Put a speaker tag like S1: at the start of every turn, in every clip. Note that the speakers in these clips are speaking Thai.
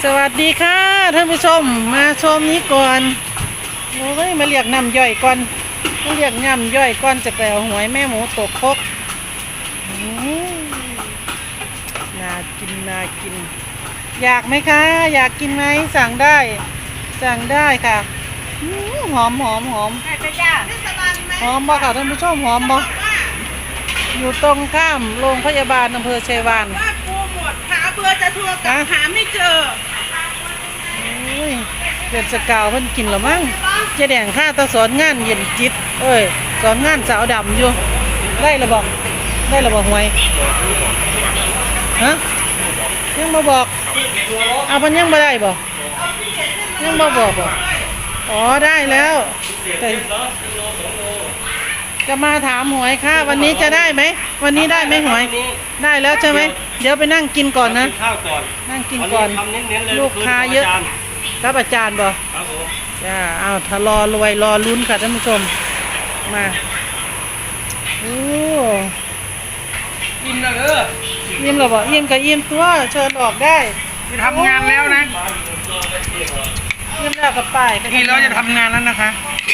S1: สวัสดีค่ะท่านผู้ชมมาชมนี้ก่อนโอ้ยมาเรียกน้ำย่อยก่อนมาเรียกน้ำย่อยก่อนจะไปเอาหวยแม่หมูตกครกน่ากินน่ากินอยากไหมคะอยากกินไหมสั่งได้ค่ะหอมหอมหอมหอมบ่ค่ะท่านผู้ชมหอมบ่อยู่ตรงข้ามโรงพยาบาลอำเภอชัยวาน
S2: ว่ากูหมดหาเบอร์จะโทรกลับหาไม่เจอ
S1: เดือนสกาวเพิ่นกินหรอมั้งเจ๊แดงข้าตาสอนงานเย็นจิตสอนงานสาวดำอยู่ได้ระบอกหวยฮะยังมาบอกเอาพันยังมาได้บอกยังมาบอกอ๋อได้แล้วแต่จะมาถามหวยค่ะวันนี้จะได้ไหมวันนี้ได้ไหมหวยได้แล้วใช่ไหมเดี๋ยวไปนั่งกินก่อนนะนั่งกินก่อนลูกค้าเยอะรับอาจารย์บอกจ้าเอาถ้ารอรวยรอลุ้นค่ะท่านผู้ชมมาโอ้
S2: อิ่มแล้วเด้อ
S1: ยิ้มหรอบอกยิ้มกับยิ้มตัวเชิญออกได้
S2: จะทำงานแล้วนะ
S1: ยิ้มแล้วกับป้าย
S2: ทีเราจะทำงานแล้วนะคะ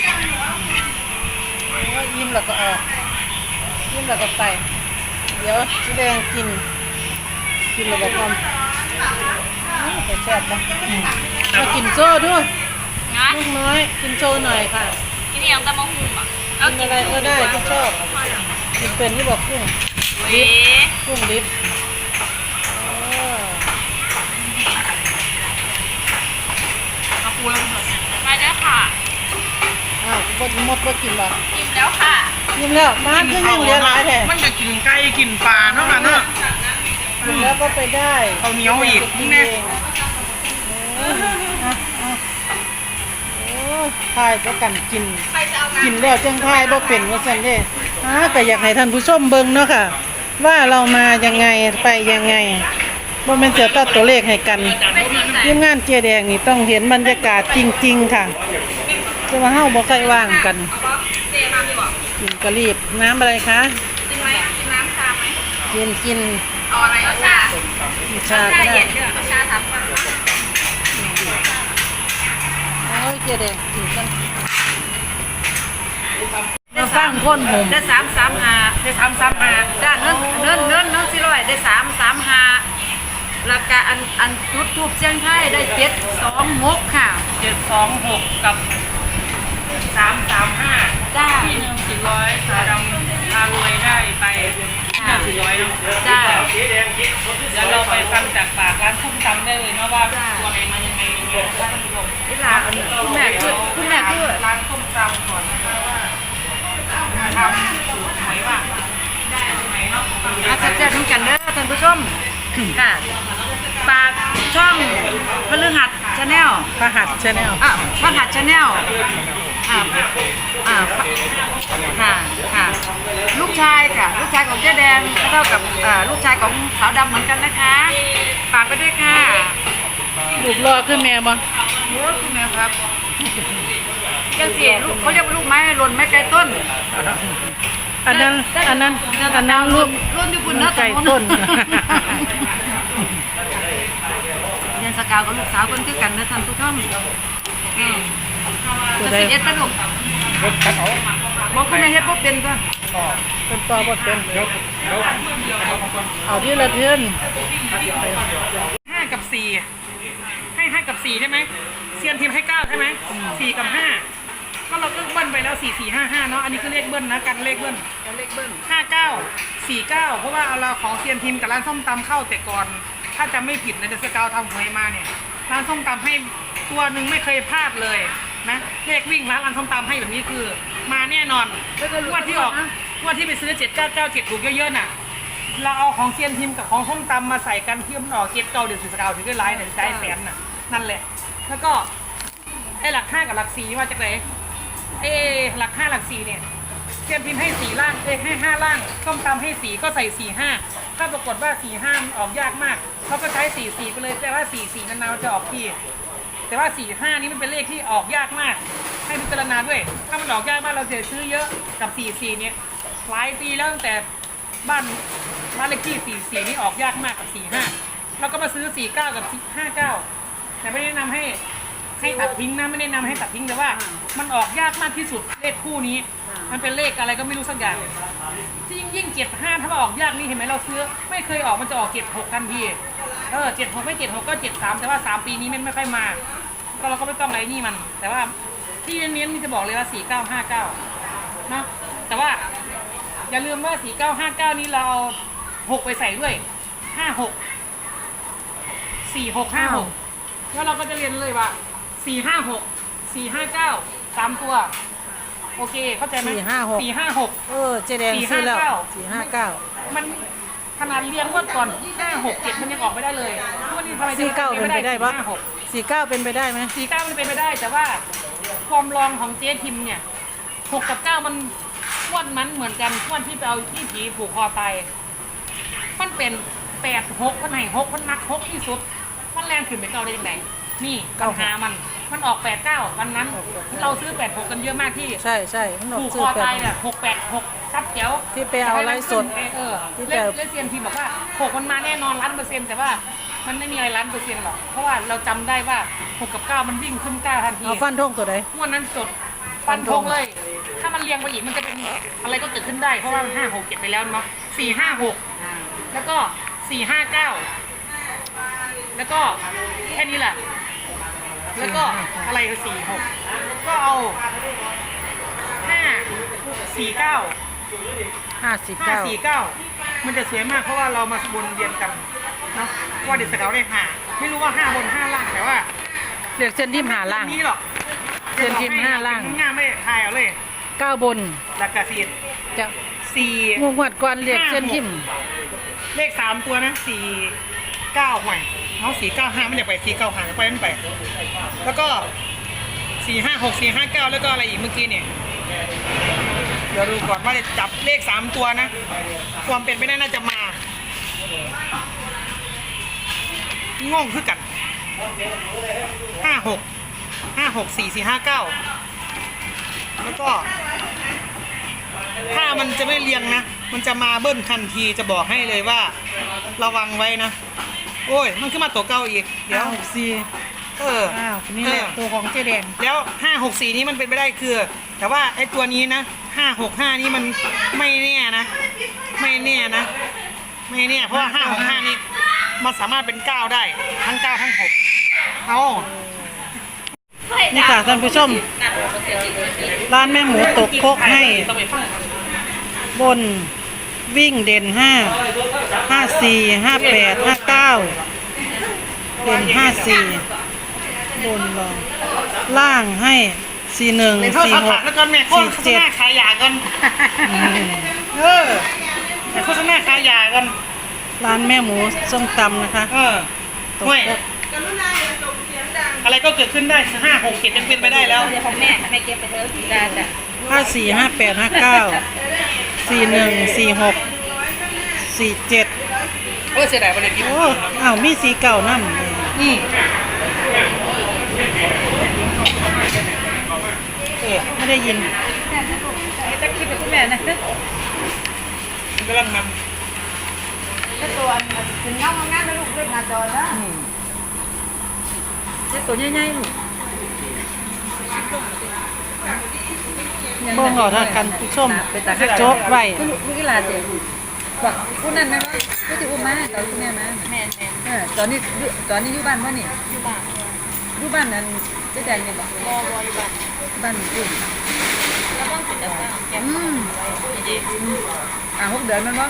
S1: ยิ้มแล้วก็ออกยิ้มแล้วก็ไปเดี๋ยวแดงกินแล้วก็ความแต่แซ่บนะมากินโซ่ด้วยลูกน้อยกินโซ่หน่อยค่ะ
S3: กินยังตะมะฮุ่มอ่ะ
S1: กินอะไรก็ได้ที่ชอบกินเป็นที่บอกกุ้งดิบ
S3: เอาปูแล้วมาได้ค่ะ
S1: อ้าวบดมดกินบ่
S3: กินแล้วค่ะ
S1: กินแล้วบ้านเพิ่งยังเลี้ยงหลายแท้
S2: มันจะกินไก่กินปลาเนาะค่ะเนาะ
S1: กินแล้วก็ไปได้
S2: เอาเหนียวอีกนี่แน่
S1: ทายก็กันกินแล้วจังทายบ่เป็นว่าซั่นเด้ก็อยากให้ท่านผู้ชมเบิ่งเนาะค่ะว่าเรามายังไงไปยังไงบ่แม่นเสียตัดตัวเลขให้กันทีมงานเจ๊แดงนี่ต้องเห็นบรรยากาศจริงๆค่ะจะมาเฮาบ่ค่อยว่างกันกินกะรีบน้ำอะไรคะ
S3: กินไหมกินน้ำชาไหม
S1: กิน
S3: เอาอะไรเอาชา
S1: ชาก็ได้
S3: เอาชา3 คน
S1: โอ้ยเจ๊แดงกินกันได้3 คนผม
S3: ได้335ได้335ด้านเงิน400ได้335แล้วก็อันจุดทูบเสียงไทยได้726ค่ะ
S2: 726กับ335
S3: จ้า
S2: 400ตาดำพารวยได้ไป400เนาะ
S3: จ้า
S2: เดี๋ยวเราไปฟังจากปากร้านส้มตำได้เลยเนาะว่าตัวไหนมายังไงท่านผู้ชม
S3: ที่ร้านคุณแม่คือ
S2: ร้านส้มตำก่อนนะคะว่าทำสูตรหวยว่าได้ไหมเนาะ
S3: แซ่บๆทั้งกันเด้อท่านผู้ชมค่ะปากช่องพฤหัสชาแนล
S1: พฤหัสชาแนล
S3: พฤหัสชาแนลค่ะลูกชายของเจ๊แดงเท่ากับลูกชายของสาวดำเหมือนกันนะคะฝากไปด้วยค่ะ
S1: ลูกรอขึ้นแม่บ่
S3: คุณแม่ครับยังสิลูกเขาเรียกว่าลูกไม้หล่นไม้ไกลต้น
S1: อันนั้นลูก
S3: ที่คุณนะ
S1: ไก่ต้น
S3: เรียนสกาวกับลูกสาวคนคือกันนะท่านผู้ชมจะ11ป่ะลูกบอกคุณแม่เฮ็ดบ่เป็นป่ะ
S1: เป็นต่อบ่เป็นเอาที่ละเทือน
S2: 5 กับ 4ให้5 กับ 4ใช่ไหมเซียนทีมให้9ใช่ไหม4 กับ 5ก็เราก็เบิ้ลไปแล้ว4 4 5 5เนาะอันนี้คือเลขเบิ้ลนะกันเลขเบิ้ล59 49เพราะว่าเอาเราของเซียนทีมกับร้านส้มตำเข้าแต่ก่อนถ้าจะไม่ผิดนะเดอะสกาวทำหวยมาเนี่ยร้านส้มตำให้ตัวหนึ่งไม่เคยพลาดเลยนะเลขวิ่งร้านส้มตำให้แบบนี้คือมาแน่นอนวันที่ออกวันที่ไปซื้อ7997ถูกเยอะๆน่ะเราเอาของเซียนทีมกับของส้มตำมาใส่กันที่มันออก7 9เดือนสกาวถึงได้ไลน์เนี่ยได้แสนน่ะนั่นแหละแล้วก็ไอ้หลัก5กับหลัก4มาจากไหนหลัก5หลัก4เนี่ยเซียนทีมให้4ล่างให้5ล่างส้มตำให้4ก็ใส่45ถ้าปรากฏว่า45ออกยากมากเขาก็ใช้44ไปเลยแต่ว่า44นานๆจะออกที่แต่ว่า45นี้มันเป็นเลขที่ออกยากมากให้พิจารณาด้วยถ้ามันออกยากมากเราจะซื้อเยอะกับ44เนี่ยหลายปีแล้วตั้งแต่บ้านเลขที่44นี่ออกยากมากกับ45แล้วก็มาซื้อ49กับ59 แต่ไม่ได้แนะนำให้ตัดทิ้งนะไม่ได้แนะนำให้ตัดทิ้งแต่ว่า มันออกยากมากที่สุดเลขคู่นี้ มันเป็นเลขอะไรก็ไม่รู้สักอย่างที่ยิ่ง75ถ้ามันออกยากนี่เห็นไหมเราซื้อไม่เคยออกมันจะออก76ทันที76ไม่76ก็73แต่ว่า3ปีนี้มันไม่ค่อยมาก็เราก็ไม่ต้องอะไรนี่มัน แต่ว่าที่เน้นๆนี่จะบอกเลยว่า4959เนาะแต่ว่าอย่าลืมว่า4959นี้เราเอา6ไปใส่ด้วย56 4656แล้วเราก็จะเรียนเลยว่า456 459 3ตัวโอเคเข้าใจไหม
S1: 456
S2: 456
S1: เจ๊แดงซื้อแล้ว459
S2: มันขนาดเรียงงวดก่อน567มันยังออกไม่ได้เลยงวดนี้ทำไมจะ
S1: 49เป็นไปได้ปะ49เป็นไปได้ไหม
S2: 49มันเป็นไปได้แต่ว่าความรองของเจ๊ทิมเนี่ย6กับ9มันงวดมันเหมือนกันงวดที่ไปเอาที่ผีผูกคอตายมันเป็น86มันไหน6มันนัก6ที่สุดมันแรงขึ้นไปเก่าได้ยังไงนี่ปัญหามันออก89วันนั้นเราซื้อ86กันเยอะมากที่
S1: ใช่มันออก
S2: ผูก
S1: ซื้
S2: ค
S1: อ
S2: อตายเนี่ย686ชัดเจ๋ว
S1: ที่ไปเอาไลฟ์สด
S2: ที่เล่นเซียนทีบอกว่า6มันมาแน่นอน100%แต่ว่ามันไม่มีอะไร100%หรอกเพราะว่าเราจำได้ว่า6กับ9มันวิ่งขึ้น9ทันที
S1: เอาฟันทงตัวใด
S2: งวดนั้นจดฟันธงเลย ถ้ามันเรียงไปอีกมันจะเป็นอะไรก็เกิดขึ้นได้เพราะว่ามัน5 6 7ไปแล้วเนาะ456แล้วก็459แล้วก็แค่นี้แหละแล้วก็อะไรคือ46ก็เอา549มันจะสวยมากเพราะว่าเรามาบนเรียนกันเนาะว่าเด็กสเกาได้5ไม่รู้ว่า5บน5ล่างแต่ว่า
S1: เรียกเส้นทิมหาล่าง
S2: นี้หรอก
S1: เส้นทิม5ล่าง
S2: ง่ายไม่ทายเอาเลย
S1: 9บน
S2: หลักกะสี
S1: จะ
S2: 4
S1: งวดก่อนเรียกเส้นทิม
S2: เลข3ตัวนะ49ห่วยเอา495มันอยากไป495จะไปมันไปแล้วก็456 459แล้วก็อะไรอีกเมื่อกี้เนี่ยเดี๋ยวดูก่อนว่าจะจับเลข3ตัวนะความเป็นไปได้น่าจะมางงคือกัน56 4 4 5 9แล้วก็ถ้ามันจะไม่เรียงนะมันจะมาเบิ้ลทันทีจะบอกให้เลยว่าระวังไว้นะโอ้ยมันขึ้นมาตัวเก่าอีกเดี๋ยว
S1: นี่แหละตัวของเจ๊แดง
S2: แล้ว564นี้มันเป็นไปได้คือแต่ว่าไอ้ตัวนี้นะ565นี่มันไม่แน่นะไม่แน่เพราะว่า565นี่มันสามารถเป็น9ได้ทั้ง9ทั้ง6เอา
S1: นี่ค่ะท่านผู้ชมร้านแม่หมูตกโคกให้บนวิ่งเด่น5 54 58 59เด่น54บนรองล่างให้41 46
S2: แล้วกันแม่โฆษณาขายยากันแต่โฆษณาขายยากัน
S1: ร้านแม่หมูส้มตำนะคะ
S2: ห่วยอะไรก็เกิดขึ้นได้5 6 7ยังเป็นไปได้แล้ว
S3: เดี๋ยวของแม่เก็บไปเถอะได้จ้ะ
S1: 54 58 59 41 46 47
S2: โอ้เสียดายประเด็นนี้
S1: อ้าวมีสีเก่านั่นไม่ได้ยิน
S3: จะคิดกับคุณแม่นะ
S2: กำลังน
S3: ถ้าตัวถึงเงางานแล้วลูกเล่นงานจอยนะตัวใหญ่ๆลูก
S1: บ้องเอาท่ากันผู้ชมโจ๊กไว้
S3: ลูกกีฬาเจ๋บอกคุณนั่นไหมว่าก็จะอุ้มมาตอนคุณแม่มาแม่ตอนนี้อยู่บ้านว่านี่อยู่บ้านนั้นเจ๊แดงเนี่ยบอกอยู่บ้านอยู่แล้วบ้านติดแล้ว6 เดือนมันบ้าง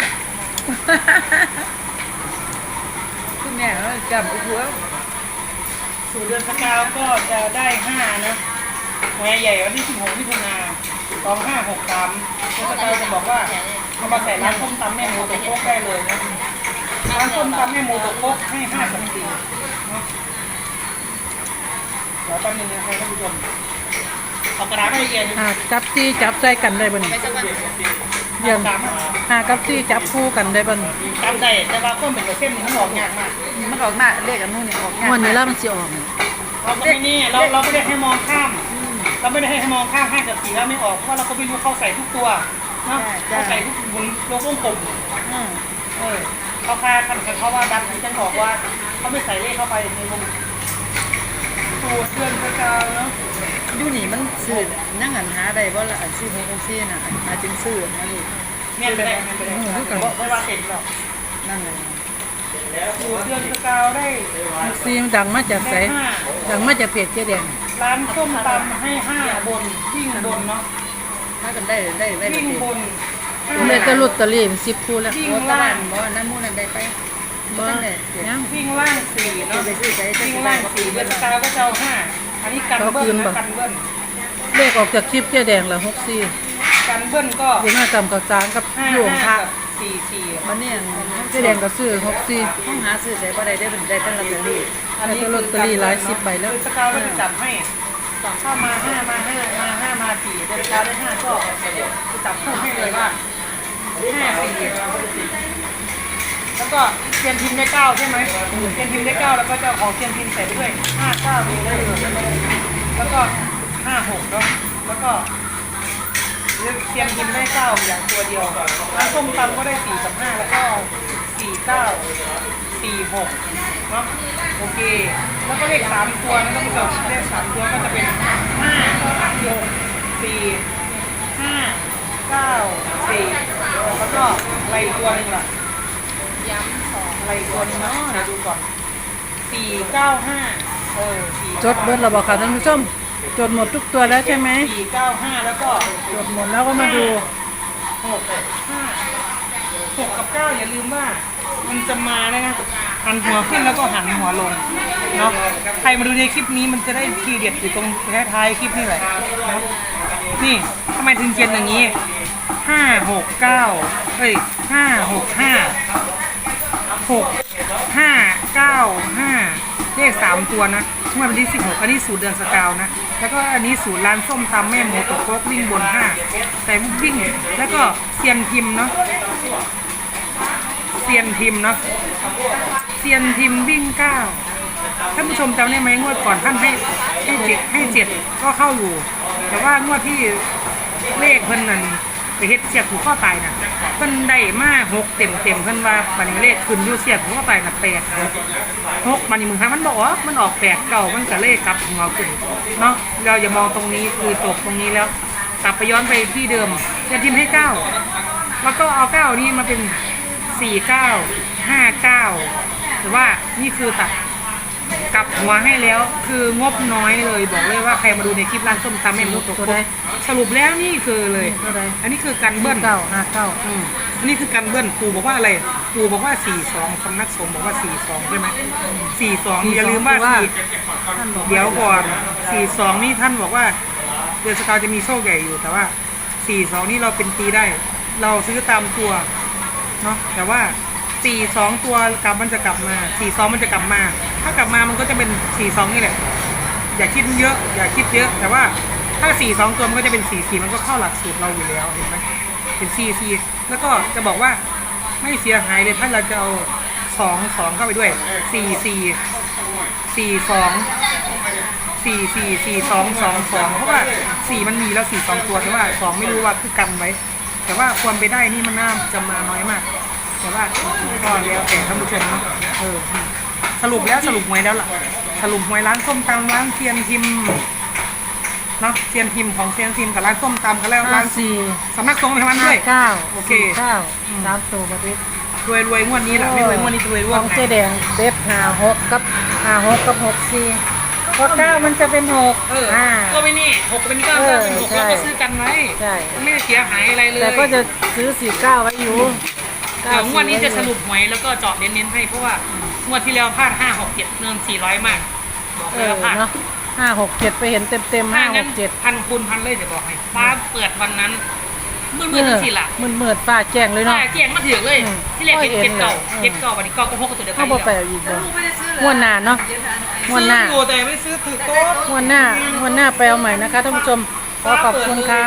S3: คุณแม่จำอุ้ย
S2: สู่เดือนพฤษภาก็จะได้5นะหัวใหญ่วันที่16มิถุนา2563ก็จะบอกว่าเอามาใส่ร้านส้มตำแม่หมูตกโคกได้เลยนะร้านส้มตำแม่หมูตกโคกให้5 กับ 4นะเดี๋ยวแป๊บนึงนะครับท่านผู้ชมเอากระดาษให้เย็น
S1: จับจี้จับใส่กันได้บ่นี่เยี่ยมกับจี้จับคู่กันได้บ่นี่
S2: จำได้แต่ว่าคนเป็นเส้นมันออกยากมาก
S3: มันออกมาเลขอันนู้นนี่ออกยาก
S1: วันนี้แล้วมันสิออก
S2: เราก็ไม่นี่เราไม่ได้ให้มองข้ามเราไม่ได้ให้มองข้าม5 กับ 4แล้วไม่ออกเพราะเราก็ไม่รู้เข้าใส่ทุกตัวเนาะเข้าใส่ทุกหมุนโลโก้กลมเขาคาคันเขาว่าดันฉันบอกว่าเขาไม่ใส่เลขเข้าไปในวงสูตรเดือนสกาวเนาะ
S3: อยู่นี่มันซื้อนั่งหันหาได้บ่ละอันซื้อขององซี่น่ะอาจจึงซื้อมาลูก
S2: เนี่ยไปได้เนี่ยไปได้ไม่ว่าเสร็จหรอก
S3: นั่นแหละ
S2: สูตรเดือนสกาวได้
S1: ซีมดังมาจากไสดังมาจากเพจเจ๊แดง
S2: ร้านส้มตำให้5บนวิ่งบนเนาะ
S3: ถ้ากันได้ไว้
S2: วิ่งบน
S1: เลยตะลุดตะลี่10คู่แล้ว
S2: วิ่ง
S3: บ่ตะ
S2: ล่า
S3: วั
S2: ง
S3: นบ่น้ำมูนั่นได้ไป
S1: บ่
S3: จังได๋
S1: ยัง
S2: วิ่งล่าง4เนาะ
S3: ไปซื้อใส่
S2: วิ่งล่าง4เดือนสกาวก็จะเอา5อันนี้กันเบิ้ลนะกันเบิ้ล
S1: เลขออกจากคลิปเจ๊แดงละ64
S2: กันเบิ้ลก็
S1: อยู่หน้าจำกับจางกับ
S2: 5
S1: หลวงพระ
S2: กับ4
S3: มันเนี่ย
S1: เจ๊แดงก็ซื้อ64
S3: ห้องหาซื้อใส่บ่ได้ได้เป็นได้ตั้งลอตเตอรี่
S2: อันนี้
S1: ลอตเตอรี่หลาย10ใบแล้ว
S2: สกาวก็จะจับให้ถ้ามา5มา5มา5มา4เดือนสกาวได้5ก็จะจับคู่ให้เลยว่า5 4แล้วก็เซียนพิมพ์ได้9ใช่ไหมเซียนพิมพ์ได้9แล้วก็จะเอาของเซียนพิมพ์ใส่ไปด้วย5 9นี่เลยแล้วก็5 6เนาะแล้วก็เซียนพิมพ์ได้9อย่างตัวเดียวร้านส้มตำก็ได้4กับ5แล้วก็4 9 4 6เนาะโอเคแล้วก็เลข3ตัวนะท่านผู้ชมเลข3ตัวก็จะเป็น5 6 4 5 9 4แล้วก็อะไรอีกตัวหนึงล่ะย้ำ2อะไรอีกตัวหนึงเนาะเดี๋ยวดูก่อน4 9 54
S1: จดเบิดแล้วบ่ค่ะท่านผู้ชมจดหมดทุกตัวแล้วใช่ไหม
S2: 4 9 5แล้วก็
S1: จดหมดแล้วก็มาดู
S2: 6 กับ 9อย่าลืมว่ามันจะมานะหันหัวขึ้นแล้วก็หันหัวลงเนาะใครมาดูในคลิปนี้มันจะได้ทีเด็ดอยู่ตรงท้ายๆคลิปนี่แหละเนาะนี่ทำไมถึงเขียนอย่างนี้5 6 9เฮ้ย5 6 5 6 5 9 5เลข3ตัวนะเมื่อวันที่16อันนี้สูตรเดือนสกาวนะแล้วก็อันนี้สูตรร้านส้มตำแม่หมูตกโคกวิ่งบน5แต่วิ่งแล้วก็เซียนพิมพ์เนาะเซียนพิมพ์เนาะเซียนพิมพ์วิ่ง9ท่านผู้ชมจำได้ไหมงวดก่อนท่านให้เจ็ดก็เข้าอยู่ แต่ว่างวดที่เลขเพิ่นนั่นไปเฮ็ดเสียบผูกข้อตายน่ะเพิ่นได้มา6เต็มเพิ่นว่าบัดนี้เลขขึ้นอยู่เสียบผูกข้อตายน่ะ8 6บัดนี้มึงคะมันบอกว่ามันออก8เก่ามันก็เลขกลับหัวขึ้นเนาะเราอย่ามองตรงนี้คือตกตรงนี้แล้วกลับไปย้อนไปที่เดิมจะทิมให้9แล้วก็เอา9นี้มาเป็น49 59หรือว่านี่คือตัดกลับหัวให้แล้วคืองบน้อยเลยบอกเลยว่าใครมาดูในคลิปร้านส้มตำแม่หมูตกโคกสรุปแล้วนี่คือเลยอันนี้คือกันเบิ้ล
S1: 959
S2: อันนี้คือกันเบิ้ลปู่บอกว่าอะไรปู่บอกว่า42สำนักสงฆ์บอกว่า42ใช่ไหม42อย่าลืมว่า4เดี๋ยวก่อน42นี่ท่านบอกว่าเดือนสกาวจะมีโชคใหญ่อยู่แต่ว่า42นี่เราเป็นตีได้ เราซื้อตามตัวเนาะแต่ว่า42ตัวกลับมันจะกลับมา42มันจะกลับมาถ้ากลับมามันก็จะเป็น42นี่แหละอย่าคิดเยอะอย่าคิดเยอะแต่ว่าถ้า42ตัวมันก็จะเป็น44มันก็เข้าหลักสูตรเราอยู่แล้วเห็นไหมเป็น44แล้วก็จะบอกว่าไม่เสียหายเลยถ้าเราจะเอา2เข้าไปด้วย44 42 44 42 22เพราะว่า4มันมีแล้ว42ตัวแต่ว่า2ไม่รู้ว่าคือกันไว้แต่ว่าความไปได้นี่มันน่าจะมาน้อยมากแต่ว่าก็แล้วแต่ท่านผู้ชมเนาะสรุปหวยแล้วล่ะสรุปหวยร้านส้มตำร้านเทียนพิมพ์เนาะเทียนพิมพ์ของเทียนพิมพ์กับร้านส้มตำกันแล้วร้านสำนักสงฆ์ในวันด้วยโอเค
S1: 3ตัวบ่ดิ
S2: รวยงวดนี้แหละไม่รวยงวดนี้รวย
S1: ของเจ๊แดงเด็ด56กับ64เพราะ9มันจะเป็น6
S2: ก็ไม่นี่6เป็น9ก็เป็น6เราก็ซื้อกันไว้ไม่เสียหายอะไรเลย
S1: แต่ก็จะซื้อ49ไว้อยู่
S2: เดี๋ยวงวดนี้จะสรุปหวยแล้วก็เจาะเน้นๆให้เพราะว่างวดที่แล้วพลาด5 6 7เงิน400มาก
S1: เนาะ567ไปเห็นเต็ม567
S2: พันคูณพันเลยจะบอกให้ฟ้าเปิดวันนั้นมืดๆสิล่ะ
S1: มืดฟ้าแจ้งเลยเนาะ
S2: ฟ้าแจ้งมาถึงเลยที่แรกเห็นเก่าวันนี้เก่าก็6กับตัวเดียวกัน
S1: เขาบ่ไปอีกบ่งวดหน้าเนาะงวดหน้า
S2: แต่ไม่ซื้อถือโต๊ะ
S1: งวดหน้าไปเอาใหม่นะคะท่านผู้ชมขอบคุณค่ะ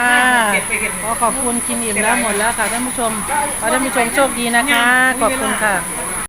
S1: ขอบคุณกินอิ่มแล้วหมดแล้วค่ะท่านผู้ชมขอท่านผู้ชมโชคดีนะคะขอบคุณค่ะ